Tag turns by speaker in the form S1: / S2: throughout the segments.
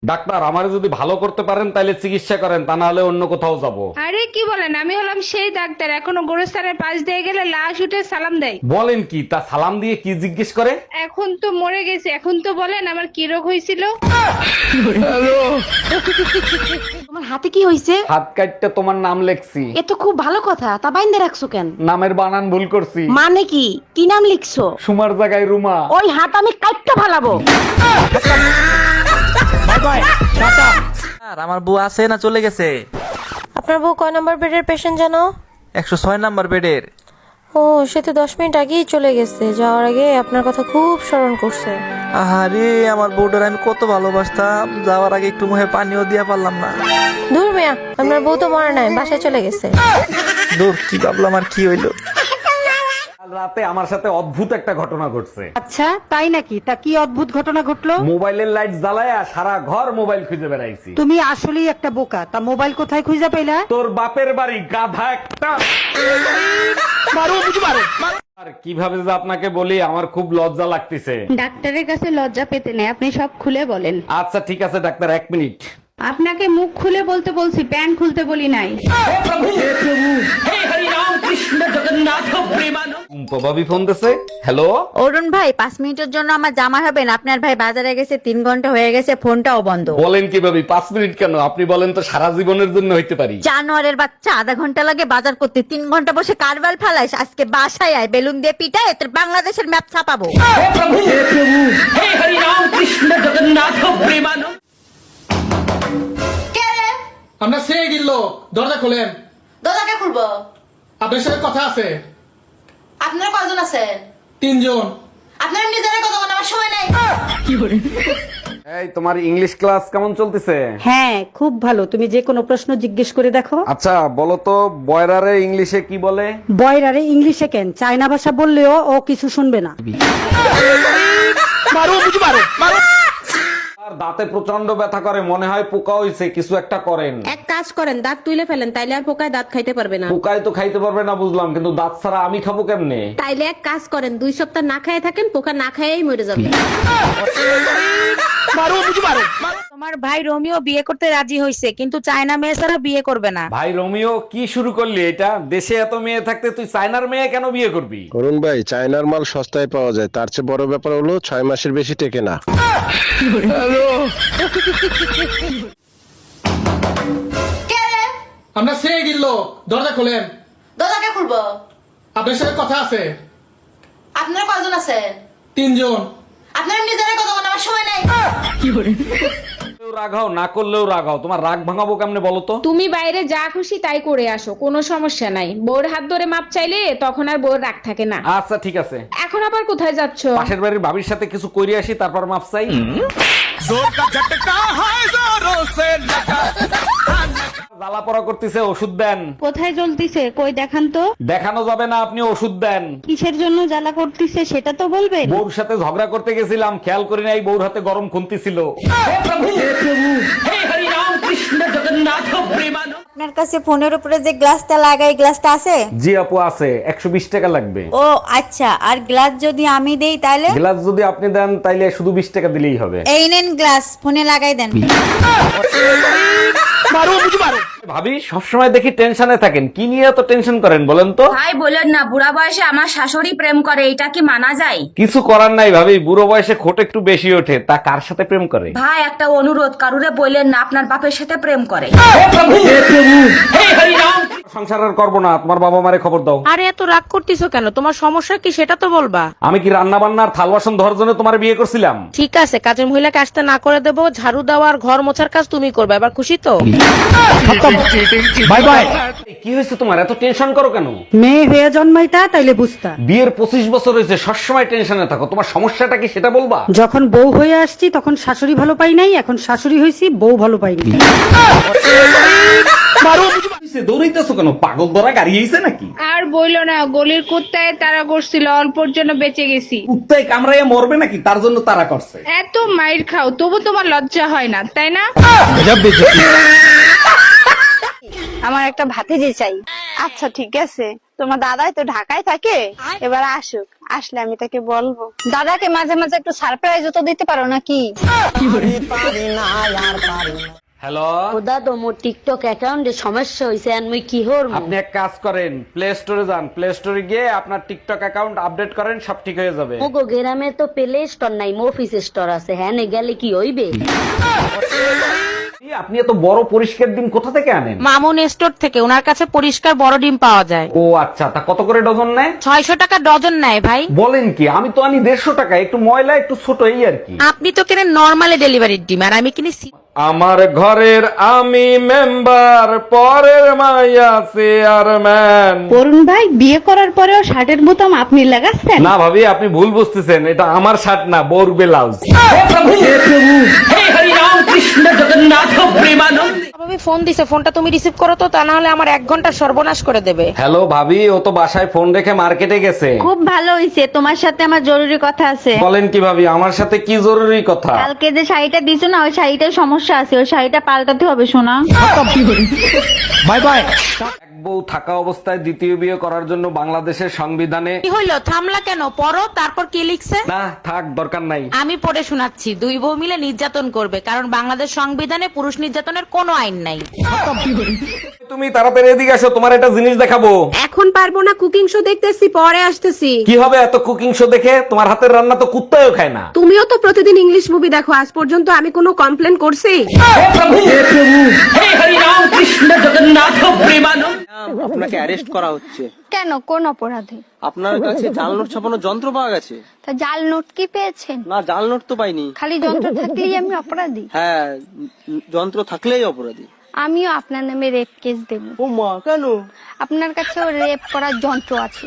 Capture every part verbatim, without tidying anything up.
S1: Doctor, আমারে যদি ভালো করতে পারেন তাহলে চিকিৎসা করেন, তা না হলে অন্য কোথাও যাব।
S2: আরে কি বলেন, আমি হলাম সেই ডাক্তার এখনো গোরস্থানের পাশ দিয়ে গেলে লাশ উঠে সালাম দেয়।
S1: বলেন কি? তা সালাম দিয়ে কি জিজ্ঞেস করে?
S2: এখন তো মরে গেছে, এখন তো বলেন আমার কি রোগ হয়েছিল।
S3: তোমার হাতে কি হইছে?
S1: হাত কাটতে তোমার নাম লেখছি।
S3: এ তো খুব ভালো কথা, তা বাইন্দে রাখছো কেন?
S1: নামের বানান ভুল করছি।
S3: মানে কি কি নাম লিখছো?
S1: সুমার জায়গায় রুমা।
S3: ওই হাত আমি কাটতে ফালাবো।
S4: আর আমার বউ আছে না চলে গেছে?
S5: আপনার বউ কয় নম্বর বেডের পেশেন্ট জানো?
S4: একশো ছয় নাম্বার বেডের।
S5: ও, সে তো দশ মিনিট আগেই চলে গেছে। যাওয়ার আগে আপনার কথা খুব স্মরণ করছে।
S4: আহারে, আমার বউটার আমি কত ভালোবাসতাম, যাওয়ার আগে একটু মুখে পানিও দিয়া পারলাম না।
S5: দূর মিয়া, আপনার বউ তো মরে নাই, বাসায় চলে গেছে।
S4: দূর, কি ভাবলাম আর কি হইলো।
S1: কাল রাতে আমার সাথে অদ্ভুত একটা ঘটনা ঘটছে।
S3: আচ্ছা তাই নাকি? তা কি অদ্ভুত ঘটনা ঘটলো?
S1: মোবাইলের লাইট জ্বালায়া সারা ঘর মোবাইল খুঁজে বেড়াইছি।
S3: তুমি আসলেই একটা বোকা। তা মোবাইল কোথায় খুঁজে পেলা?
S1: তোর বাপের বাড়ি, গাধা একটা। আর কিভাবে যে আপনাকে বলি, আমার খুব লজ্জা লাগতেছে।
S2: ডাক্তারের কাছে লজ্জা পেতে নেই, আপনি সব খুলে বলেন।
S1: আচ্ছা ঠিক আছে ডাক্তার, এক মিনিট।
S2: আপনাকে মুখ খুলে বলতে বলছি, প্যান্ট খুলতে বলি নাই।
S1: টুম্পা ভাবি ফোন দিছে। হ্যালো,
S6: অরুণ ভাই, পাঁচ মিনিটের জন্য আমার জামা হবেন? আপনার ভাই বাজারে গেছে, তিন ঘন্টা হয়ে গেছে, ফোনটাও বন্ধ।
S1: বলেন কি ভাবি, পাঁচ মিনিট কেন? আপনি বলেন তো সারা জীবনের জন্য হইতে পারি।
S6: জানোয়ারের বাচ্চা, আধা ঘন্টা লাগে বাজার করতে, তিন ঘন্টা বসে কারবার ফেলাইস। আজকে বাসায় আয়, বেলুন দিয়ে পিটায় তোর বাংলাদেশের ম্যাপ ছাপাবো।
S7: আমরা সেই দিল, দরজা খোলেন।
S8: দরজাকে খুলবো?
S7: আপনার সাথে কথা আছে।
S8: আপনারা কয়জন আছেন?
S7: তিনজন।
S8: আপনারা নিজেরা কথা বলার আমার সময় নাই।
S1: এই, তোমার ইংলিশ ক্লাস কেমন চলতেছে?
S3: হ্যাঁ খুব ভালো। তুমি যে কোনো প্রশ্ন জিজ্ঞেস করে দেখো।
S1: আচ্ছা বলো তো, বয়রারে ইংলিশে কি বলে?
S3: বয়রারে ইংলিশে কেন, চায়না ভাষা বললেও ও কিছু শুনবে না।
S1: আর দাঁতে প্রচন্ড ব্যথা করে, মনে হয় পোকা হইছে, কিছু একটা করেন।
S3: এক কাজ করেন, দাঁত তুলে ফেলেন, তাইলে আর পোকায় দাঁত খাইতে পারবে না।
S1: পোকায় তো খাইতে পারবে না বুঝলাম, কিন্তু দাঁত ছাড়া আমি খাবো কেমনে?
S3: তাইলে এক কাজ করেন, দুই সপ্তাহ না খায় থাকেন, পোকা না খাইয়েই মরে যাবে।
S6: তোমার ভাই রোমিও বিয়ে করতে রাজি হয়েছে, কিন্তু চায়না মেয়ে ছাড়া বিয়ে করবে না।
S1: ভাই রোমিও, কি শুরু করলি এটা? দেশে এত মেয়ে থাকতে তুই চায়নার মেয়ে কেন বিয়ে করবি?
S9: অরুণ ভাই, চায়নার মাল সস্তায় পাওয়া যায়, তার চেয়ে বড় ব্যাপার হলো ছয় মাসের বেশি টেকে না।
S8: কে রে?
S7: আমরা সেই দিল, দরজা খোলেন।
S8: দরজাকে খুলবো?
S7: আপনার সাথে কথা আছে।
S8: আপনারা কয়জন আছেন?
S7: তিনজন।
S8: আপনারা নিজেরা কথা বলার আমার সময় নাই।
S1: রাগাও না করলেও রাগাও, তোমার রাগ ভাঙাবো কেমনে বলো তো?
S2: তুমি বাইরে যা খুশি তাই করে আসো, কোনো সমস্যা নাই। বউর হাত ধরে মাপ চাইলে তখন আর বউর রাগ থাকে না।
S1: আচ্ছা ঠিক আছে।
S2: এখন আবার কোথায় যাচ্ছ?
S1: পাশের বাড়ির ভাবির সাথে কিছু কইরে আসি, তারপর মাপ চাই। জ্বালা পড়া করতেছে, ওষুধ দেন।
S2: কোথায় জ্বলতিছে কই দেখান তো।
S1: দেখানো যাবে না, আপনি ওষুধ দেন।
S2: কিসের জন্য জ্বালা করতিছে সেটা তো বলবেন।
S1: বউর সাথে ঝগড়া করতে গেছিলাম, খেয়াল করি নাই বউর হাতে গরম খুন্তি ছিল।
S6: আপনার কাছে ফোনের উপরে যে গ্লাসটা লাগাই, গ্লাসটা আছে?
S1: জি আপু আছে, একশো বিশ টাকা লাগবে।
S6: ও আচ্ছা, আর গ্লাস যদি আমি দেই তাহলে?
S1: গ্লাস যদি আপনি দেন তাইলে শুধু বিশ টাকা দিলেই হবে।
S6: এই নেন গ্লাস, ফোনে লাগাই দেন।
S1: ভাবি, সবসময় দেখি টেনশনে থাকেন, কি নিয়ে এত টেনশন করেন বলেন তো?
S8: ভাই বলেন না, বুড়া বয়সে আমার শাশুড়ি প্রেম করে, এটা কি মানা যায়?
S1: কিছু করার নাই ভাবি, বুড়ো বয়সে খোট একটু বেশি ওঠে। তা কার সাথে প্রেম করে?
S8: ভাই একটা অনুরোধ, কারুরে বললেন না আপনার বাপের সাথে প্রেম করে।
S1: সংসার আর করবো না, তোমার বাবা মারে খবর দাও।
S5: আরে এত রাগ করতেছো কেন? তোমার সমস্যা কি সেটা তো বলবা।
S1: আমি কি রান্না বান্নার থাল বাসন ধরার জন্য তোমার বিয়ে করছিলাম?
S5: ঠিক আছে, কাজের মহিলাকে আসতে না করে দেবো, ঝাড়ু দেওয়া আর ঘর মোছার কাজ তুমি করবে। এবার খুশি তো?
S1: Bye bye. কি হয়েছে তোমার, এত টেনশন করো কেন?
S3: মেয়ে হয়ে জন্মাইতা তাইলে বুঝতা।
S1: বিয়ের পঁচিশ বছর হয়েছে, সবসময় টেনশনে থাকো, তোমার সমস্যাটা কি সেটা বলবা?
S3: যখন বউ হয়ে আসছি তখন শাশুড়ি ভালো পাই নাই, এখন শাশুড়ি হয়েছি বউ ভালো পাইনি।
S1: দৌড়াইতেছো কেন? পাগল ধরা গাড়ি হয়েছে নাকি?
S2: আর বইলো না, গলির কুত্তায় তারা করছিল, অল্পর জন্য বেঁচে গেছি।
S1: কুত্তায় কামড়াইয়া মরবে নাকি, তার জন্য তারা করছে।
S2: এত মাইর খাও তবু তোমার লজ্জা হয় না, তাই না?
S10: আমার একটা ভাতিজি চাই। আচ্ছা ঠিক আছে, তোমার দাদাই তো ঢাকায় থাকে, এবার আসুক, আসলে আমি তাকে বলবো। দাদাকে মাঝে মাঝে একটু সারপ্রাইজ তো দিতে পারো নাকি?
S1: হ্যালো,
S3: দাদা মোর টিকটক অ্যাকাউন্টে সমস্যা হয়েছে, আমি কি করব?
S1: আপনি এক কাজ করেন, প্লে স্টোরে যান, প্লে স্টোরে গিয়ে আপনার টিকটক অ্যাকাউন্ট আপডেট করেন, সব ঠিক হয়ে যাবে।
S3: মোগো গ্রামে তো প্লে স্টোর নাই, অফিস স্টোর আছে, হ্যাঁ নে গেলে কি হইবে?
S1: আপনি এত বড় পরিষ্কার ডিম কোথা থেকে আনেন?
S11: মামুন স্টোর থেকে, ওনার কাছে পরিষ্কার বড় ডিম পাওয়া যায়।
S1: ও আচ্ছা, তা কত করে ডজন নেয়?
S11: ছয়শো টাকা ডজন নেয় ভাই।
S1: বলেন কি? আমি তো আনি দেড়শো টাকা, একটু ময়লা একটু ছোট এই আর কি।
S11: আপনি তো কেনেন নরমালি ডেলিভারির ডিম, আর আমি কিনি সি-
S1: আমার ঘরের আমি মেম্বার, পরের মাইয়া চেয়ারম্যান।
S2: অরুণ ভাই, বিয়ে করার পরেও শার্টের বোতাম আপনি লাগাচ্ছেন?
S1: না ভাবি, আপনি ভুল বুঝতেছেন, এটা আমার শার্ট না, বোর ব্লাউজ।
S11: ভাবি ফোন দিছে, ফোনটা তুমি রিসিভ করো তো, তা না হলে আমার এক ঘন্টা সর্বনাশ করে দেবে।
S1: হ্যালো ভাবি, ও তো বাসায় ফোন রেখে মার্কেটে গেছে।
S6: খুব ভালো হইছে, তোমার সাথে আমার জরুরি কথা আছে।
S1: বলেন কি ভাবি, আমার সাথে কি জরুরি কথা?
S6: কালকে যে শাড়িটা দিছো না, ওই শাড়িটার সমস্যা আছে, ওই শাড়িটা পাল্টাতে হবে শোনা।
S1: Bye bye. এক বউ থাকা অবস্থায় দ্বিতীয় বিয়ে করার জন্য বাংলাদেশের সংবিধানে
S11: কি হইলো, থামলা কেন? পড়ো, তারপর কি লিখছে?
S1: না থাক, দরকার নাই।
S11: আমি পড়ে শোনাচ্ছি। দুই বউ মিলে নির্যাতন করবে, কারণ বাংলাদেশ সংবিধানে পুরুষ নির্যাতনের কোনো আইন নাই।
S1: তুমি তাড়াতাড়ি এদিকে আসো, তোমার একটা জিনিস দেখাবো।
S11: এখন পারবো না, কুকিং শো দেখতেছি, পরে আসতেছি।
S1: কি হবে এত কুকিং শো দেখে? তোমার হাতের রান্না তো কুত্তাও খায় না।
S11: তুমিও তো প্রতিদিন ইংলিশ মুভি দেখো, আজ পর্যন্ত আমি কোনো কমপ্লেন করছি?
S12: আপনাকে অ্যারেস্ট করা হচ্ছে।
S10: কেন, কোন অপরাধে?
S12: আপনার কাছে জাল নোট ছাপানোর যন্ত্র পাওয়া গেছে।
S10: তা জাল নোট কি পেয়েছেন?
S12: না, জাল নোট তো পাইনি।
S10: খালি যন্ত্র থাকলেই আমি অপরাধী?
S12: হ্যাঁ, উম, যন্ত্র থাকলেই অপরাধী।
S10: আমিও আপনার নামে রেপ কেস দেব।
S12: ও মা, কেন?
S10: আপনার কাছেও রেপ করার যন্ত্র আছে।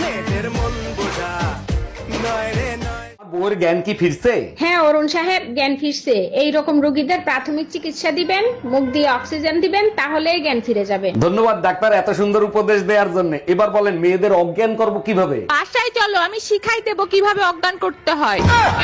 S1: বউয়ের জ্ঞান কি ফিরছে?
S2: হ্যাঁ অরুণ সাহেব, জ্ঞান ফিরছে। এই রকম রোগীদের প্রাথমিক চিকিৎসা দিবেন, মুখ দিয়ে অক্সিজেন দিবেন, তাহলেই জ্ঞান ফিরে যাবে।
S1: ধন্যবাদ ডাক্তার এত সুন্দর উপদেশ দেওয়ার জন্য। এবার বলেন মেয়েদের অজ্ঞান করব কিভাবে?
S11: বাসায় চলো, আমি শিখাই দেবো কিভাবে অজ্ঞান করতে হয়।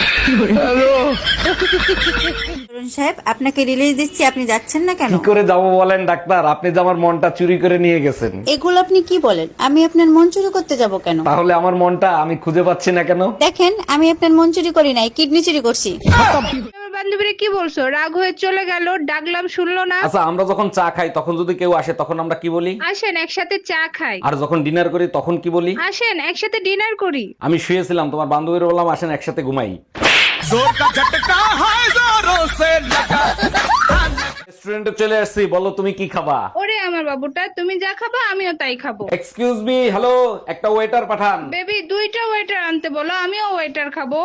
S6: সাহেব, আপনাকে রিলিজ দিচ্ছি, আপনি যাচ্ছেন না কেন?
S1: কি করে যাব বলেন ডাক্তার? আপনি যে আমার মনটা চুরি করে নিয়ে গেছেন।
S6: এগুলো আপনি কি বলেন? আমি আপনার মন চুরি করতে যাব কেন?
S1: তাহলে আমার মনটা আমি খুঁজে পাচ্ছি না কেন?
S6: দেখেন, আমি আপনার মন চুরি করি নাই, কিডনি চুরি করছি।
S2: বান্ধবীরা কি বলছো? রাগ হয়ে চলে গেল, ডাকলাম শুনলো না।
S1: আচ্ছা, আমরা যখন চা খাই তখন যদি কেউ আসে তখন আমরা কি বলি?
S2: আসেন একসাথে চা খাই।
S1: আর যখন ডিনার করি তখন কি বলি?
S2: আসেন একসাথে ডিনার করি।
S1: আমি শুয়েছিলাম, তোমার বান্ধবীর বললাম আসেন একসাথে ঘুমাই। রেস্টুরেন্টে চলে আসছি, বলো তুমি কি খাবা?
S2: ওরে আমার বাবুটা, তুমি যা খাবা আমিও তাই খাবো।
S1: এক্সকিউজ মি, হ্যালো, একটা ওয়েটার পাঠান।
S2: বেবি, দুইটা ওয়েটার আনতে বলো, আমিও ওয়েটার খাবো।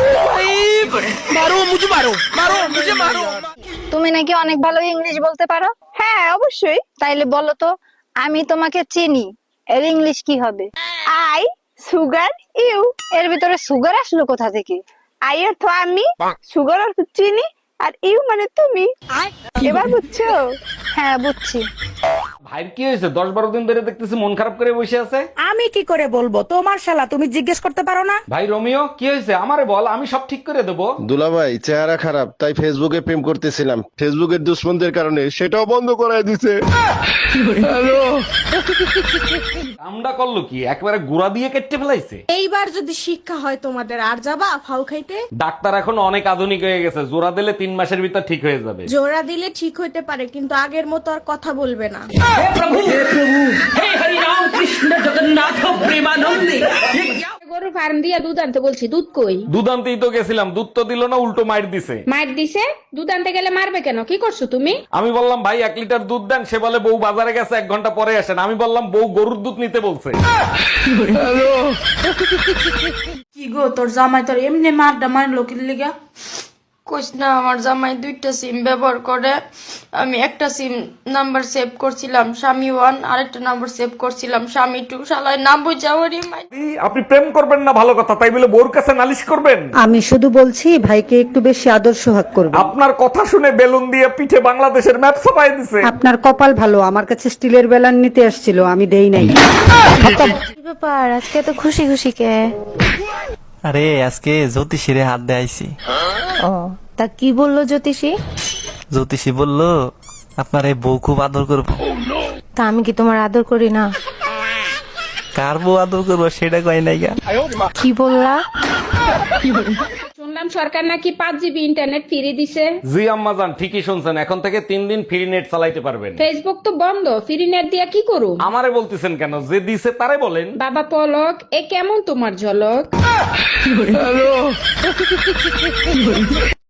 S10: তুমি নাকি অনেক ভালো ইংলিশ বলতে পারো? হ্যাঁ অবশ্যই। তাইলে বলো তো, আমি তোমাকে চিনি, এর ইংলিশ কি হবে? I sugar you. এর ভিতরে সুগার আসলো কোথা থেকে? আই অর্থ আমি, সুগার অর্থ চিনি, আর ইউ মানে তুমি। এবার বুঝছো? হ্যাঁ বুঝছি।
S1: ভাইয়ের কি হয়েছে? দশ বারো দিন ধরে দেখতেছি মন খারাপ করে বসে আছে।
S11: আমি কি করে বলবো? তোমার শালা, তুমি জিজ্ঞেস করতে পারো না?
S1: ভাই রোমিও, কি হয়েছে আমারে বল, আমি সব ঠিক করে দেবো।
S9: দুলাভাই চেহারা খারাপ, তাই ফেসবুকে প্রেম করতেছিলাম, ফেসবুকের দুশ্মনদের কারণে সেটাও বন্ধ করায় দিছে।
S1: কামডা করলো কি, একবারে গুড়া দিয়ে কেটে ফেলাইছে।
S11: এইবার যদি শিক্ষা হয় তোমাদের, আর যাবা ফাউ খাইতে?
S1: ডাক্তার এখন অনেক আধুনিক হয়ে গেছে, জোড়া দিলে তিন মাসের ভিতর ঠিক হয়ে যাবে।
S11: জোড়া দিলে ঠিক হইতে পারে, কিন্তু আগের মতো আর কথা বলবে না।
S2: গরুর ফার্ম দিয়ে দুধ আনতে বলছি, দুধ কই?
S1: দুধ আনতেই তো গেছিলাম, দুধ তো দিল না, উল্টো মাইর দিছে।
S2: মার দিছে? দুধ আনতে গেলে মারবে কেন? কি করছো তুমি?
S1: আমি বললাম ভাই এক লিটার দুধ দেন, সে বলে বউ বাজারে গেছে, এক ঘন্টা পরে আসেন। আমি বললাম বউ গরুর দুধ নিতে বলছে।
S11: কি গো, তোর জামাই তোর এমনি মারডা মারলো কি লিগা? কইস না, আমার জামাই দুইটা সিম ব্যবহার করে। আমি একটা সিম নাম্বার সেভ করছিলাম স্বামী ওয়ান, আরেকটা নাম্বার সেভ করছিলাম স্বামী টু। শালায় নাম বুঝাওয়ারি মাই।
S1: আপনি প্রেম করবেন না ভালো কথা, তাই বলে বউর কাছে নালিশ করবেন?
S3: আমি শুধু বলছি ভাইকে একটু বেশি আদর সোহাগ করবে।
S1: আপনার কথা শুনে বেলুন দিয়ে পিঠে বাংলাদেশের ম্যাপ ছাপাই দিছে।
S3: আপনার কপাল ভালো, আমার কাছে স্টিলের বেলান নিতে আসছিল, আমি দেই নাই।
S5: কি ব্যাপার, আজকে তো খুশি খুশি কে?
S12: আরে আজকে জ্যোতিষীরে হাত দেয়াইছি।
S5: ও, তা কি বললো জ্যোতিষী?
S12: জ্যোতিষী বললো আপনার এই বউ খুব আদর করবো।
S5: তা আমি কি তোমার আদর করি না?
S12: কার বউ আদর করবো সেটা কয় নাই গা।
S5: কি বললা?
S2: শুনলাম সরকার নাকি পাঁচ জিবি ইন্টারনেট ফ্রি দিছে।
S1: জি আম্মাজান, ঠিকই শুনছেন। এখন থেকে তিন দিন ফ্রি নেট চালাইতে পারবেন।
S2: ফেসবুক তো বন্ধ, ফ্রি নেট দিয়া কি করু?
S1: আমারে বলতেছেন কেন? যে দিছে তারে বলেন।
S2: বাবা পলক, এ কেমন তোমার ঝলক?